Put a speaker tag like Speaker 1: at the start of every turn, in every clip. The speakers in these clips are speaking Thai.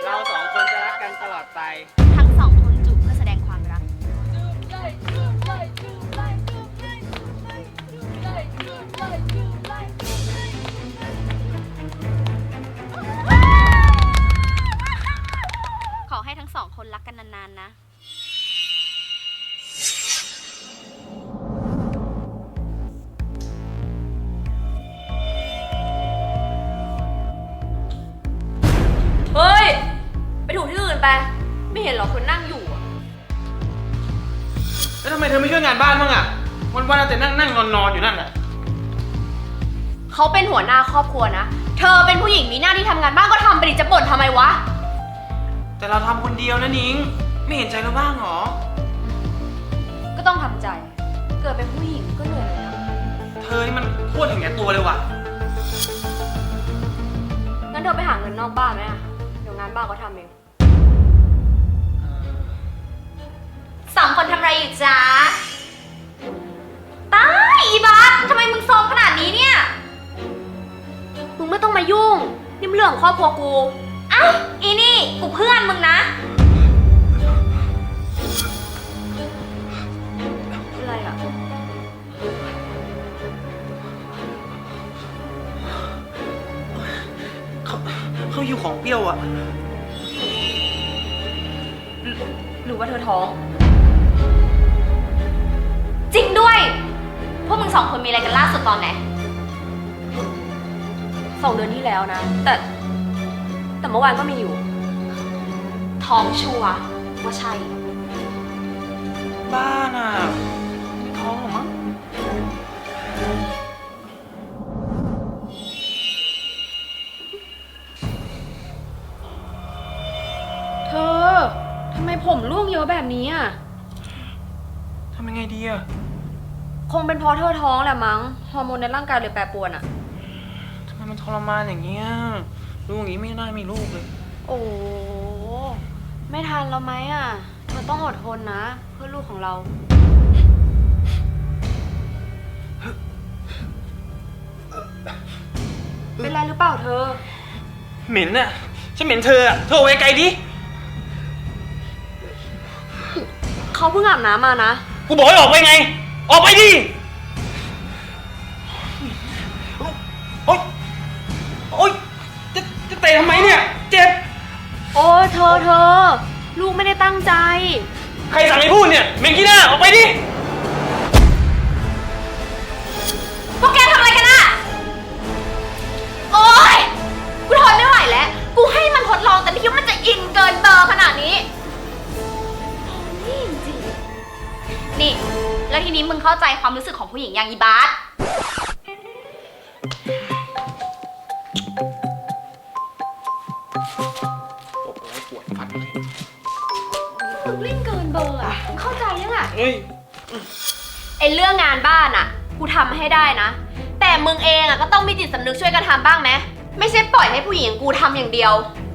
Speaker 1: เราสองคนจะรักกันตลอดไป
Speaker 2: ทั้งสองคนจูบเพื่อแสดงความรักขอให้ทั้งสองคนรักกันนานๆนะ
Speaker 3: เฮ้ยไปถูที่อื่นไปไม่เห็นหรอคนนั่งอยู่อะ
Speaker 1: แล้วทำไมเธอไม่ช่วยงานบ้านบ้างอะวันๆแต่นั่งนอนอยู่นั่นแหละ
Speaker 3: เขาเป็นหัวหน้าครอบครัวนะเธอเป็นผู้หญิงมีหน้าที่ทำงานบ้านก็ทำไปดิจะบ่นทำไมวะ
Speaker 1: แต่เราทำคนเดียวนะนิ้งไม่เห็นใจเราบ้างหรอ
Speaker 3: ก็ต้องทำใจเกิดเป็นผู้หญิงก็เหนื่อยเลยนะ
Speaker 1: เธอนี่มันโคตรเห็นแก่ตัวเลยว่ะ
Speaker 3: งั้นเธอไปหาเงินนอกบ้านไหมอะเดี๋ยวงานบ้านก็ทำเองสองคนทำอะไรอยู่จ๊ะตายอีบัสทำไมมึงโซมขนาดนี้เนี่ยมึงไม่ต้องมายุ่งนี่มันเรื่องของครอบครัวกูอ้าวอีนี่กูเพื่อนมึงนะอะไรอ่ะ
Speaker 1: เขาอยู่ของเปรี้ยวอะ
Speaker 3: หรือว่าเธอท้องจริงด้วยพวกมึงสองคนมีอะไรกันล่าสุดตอนไหน2 เดือนที่แล้วนะแต่เมื่อวานก็มีอยู่ท้องชัวร์ว่าใช่
Speaker 1: บ้าน่ะไม่ท้องหรอมั้ง
Speaker 3: เธอทำไมผมร่วงเยอะแบบนี้อ่ะ
Speaker 1: ทำยังไงดีอะ
Speaker 3: คงเป็นเพราะเธอท้องแหละมั้งฮอร์โมนในร่างกายเลยแปรปรวนอ่ะ
Speaker 1: ทำไมมันทรมานอย่างเงี้ยลูกอย่างงี้ไม่น่ามีลูกเลย
Speaker 3: โอ้ไม่ทันแล้วไหมอ่ะเธอต้องอดทนนะเพื่อลูกของเราเป็นไรหรือเปล่าเธอ
Speaker 1: เหม็นน่ะฉันเหม็นเธออะเธอเอาไว้ไกลดิ
Speaker 3: เขาเพิ่งอาบน้ำมานะ
Speaker 1: กูบอกให้ออกไปไงออกไปดิโอ๊ยโอ๊ยจะเตะทำไมเนี่ยเจ็บ
Speaker 3: โอ้เธอลูกไม่ได้ตั้งใจ
Speaker 1: ใครสั่งให้พูดเนี่ยเมงกี้หน้าออกไปดิ
Speaker 3: พวกแกทำอะไรกันอะโอ๊ยกูทนไม่ไหวแล้วกูให้มันทดลองแต่ไม่คิดว่ามันจะอินเกินเบอร์ขนาดนี้นี่จริงนี่แล้วทีนี้มึงเข้าใจความรู้สึกของผู้หญิงอย่างอีบาส
Speaker 1: ตบแล้วปวดฟันเลย
Speaker 3: มึงเล่นเกินเบอร์อ่ะมึงเข้าใจยังอ่ะ
Speaker 1: เฮ้ย
Speaker 3: ไอเรื่องงานบ้านอ่ะกูทำให้ได้นะแต่มึงเองอ่ะก็ต้องมีจิตสำนึกช่วยกันทำบ้างไหมไม่ใช่ปล่อยให้ผู้หญิงกูทำอย่างเดียว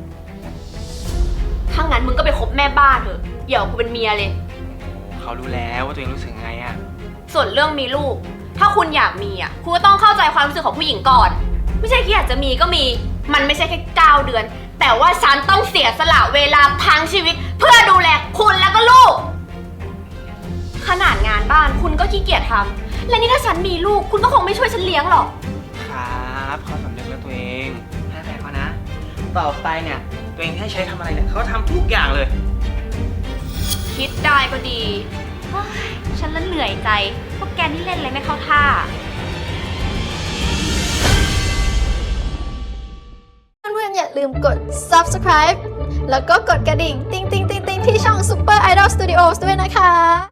Speaker 3: ถ้างั้นมึงก็ไปคบแม่บ้านเถอะเดี๋ยวกูเป็นเมียเลย
Speaker 1: เขารู้แล้วว่าตัวเองรู้สึกไงอะ
Speaker 3: ส่วนเรื่องมีลูกถ้าคุณอยากมีอ่ะคุณก็ต้องเข้าใจความรู้สึกของผู้หญิงก่อนไม่ใช่แค่อยากจะมีก็มีมันไม่ใช่แค่9 เดือนแต่ว่าฉันต้องเสียสละเวลาทั้งชีวิตเพื่อดูแลคุณแล้วก็ลูกขนาดงานบ้านคุณก็ขี้เกียจทำและนี่ถ้าฉันมีลูกคุณก็คงไม่ช่วยฉันเลี้ยงหรอก
Speaker 1: ครับเขาสำนึกแล้วตัวเองให้แพ้เขานะต่อไปเนี่ยตัวเองให้ใช้ทำอะไรเนี่ยเขาทำทุกอย่างเลย
Speaker 3: คิดได้ก็ดีฉันละเหนื่อยใจพวกแกนี่เล่นอะไรไม่เข้าท่า
Speaker 4: เพื่อนๆอย่าลืมกด subscribe แล้วก็กดกระดิ่งติ๊งๆๆๆที่ช่อง Super Idol Studios ด้วยนะคะ